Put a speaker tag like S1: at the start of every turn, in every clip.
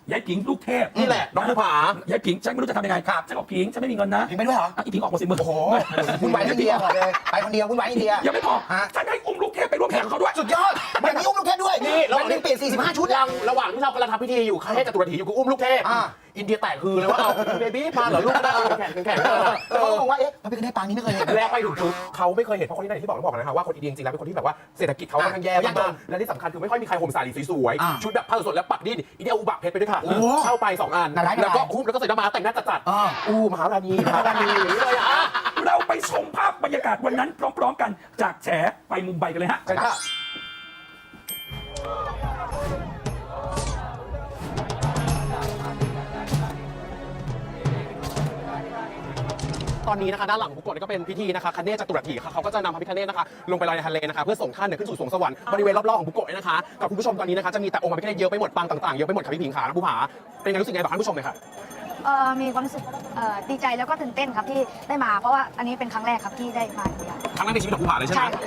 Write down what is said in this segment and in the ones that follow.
S1: ยายผิงลูกเทพ
S2: นี่แหละน้องภูผาย
S1: ายผิงฉันไม่รู้จะทำยังไงครับฉันบอกผิงฉันไม่มีเงินนะ
S3: ผิงไปด้วยเหรอ
S1: อีผิงออกมาสิมึง
S3: โอ้โหคุณไปอินเดียก่อนเลยไปคนเดียวคุณไปอินเดีย
S1: ยังไม่พอฉันให้อุ้มลูกเทพไปร่วมแข่งกับเขาด้วย
S3: สุดยอดแบบนี้อุ้มลูกเทพด้วย
S2: นี่เรา
S3: วันหนึงเปลี่ยน45 ชุด
S2: ยังระหว่างที่เรากำลังทำพิธีอยู่ข้าเทพจตุรถีอยู่กูอุ้มลูกเทพอินเดียแตกคือเลยว่าเอาเบบี้มาเหรอลูกได้แข่ง
S3: แล้วเขาบอกว่าเอ๊ะมันเป็นได้ปางนี้ไม่เคยเห็น
S2: แล้วไปถึงปุ๊บเขาไม่เคยเห็นเพราะคนที่ไหนที่บอกนะคะว่าคนอินเดียจริงๆแล้วเป็นคนที่แบบว่าเศรษฐกิจเขาค่อนข้างแย่มากๆและที่สำคัญคือไม่ค่อยมีใครห่มสารีสวยๆชุดแบบผ้าสดๆแล้วปักดิ้นอินเดียอุบักเพชรไปด้วยค่ะเข้าไป2 อันแล้วก็คุ้มแล้วก็ใส่หน้าม้าแต่งหน้าจัดๆมหาราณีเลยอ่ะ
S1: เราไปชมภาพบรรยากาศวันนั้นพร้อมๆกันจากแฉไปมุมไบกันเลยฮะ
S2: ใช่ค่ะตอนนี้นะคะด้านหลังบุกโกะก็เป็นพิธีนะคะคเนศจตุรถีค่ะเขาก็จะนำพระพิฆเนศนะคะลงไปลอยในทะเลนะคะเพื่อส่งท่านขึ้นสู่สวงสวรรค์บริเวณรอบๆของบุกโกะนะคะกับคุณผู้ชมตอนนี้นะคะจะมีแต่องค์พระพิฆเนศเยอะไปหมดปางต่างๆเยอะไปหมดค่ะพี่ผิงขาผู้ผาเป็นไงรู้สึกไงบอกท่านผู้ชมเลยค่ะ
S4: มีความรู้สึกดีใจแล้วก็ตื่นเต้นครับที่ได้มาเพราะว่าอันนี้เป็นครั้งแรกครับที่ได้มาอินเดีย
S2: ครั้งแรกในชีวิตของผู้ผาเลยใช่ไหม
S4: ใช่ครับ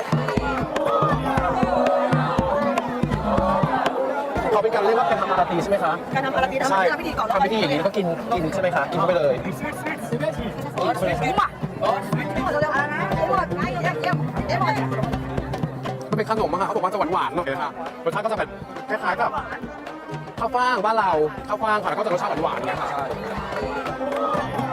S2: เขาเป็นการเรียกว่าเป็นธรรมราตรีใช่ไหมคะ
S4: การทำปาราตี
S2: ใช่
S4: ทำพิธีก่อน
S2: ทำพิธีอย่างนี้แล้วก็กินใช่ไหมคะกินเข้าไปเลย มันเป็นขนมอะค่ะเขาบอกว่าจะหวานๆหน่อยนะคะรสชาติก็จะแบบคล้ายๆกับข้าวฟ่างบ้านเราข้าวฟ่างค่ะแล้วก็จะรสชาติหวานๆเนี่ยค่ะ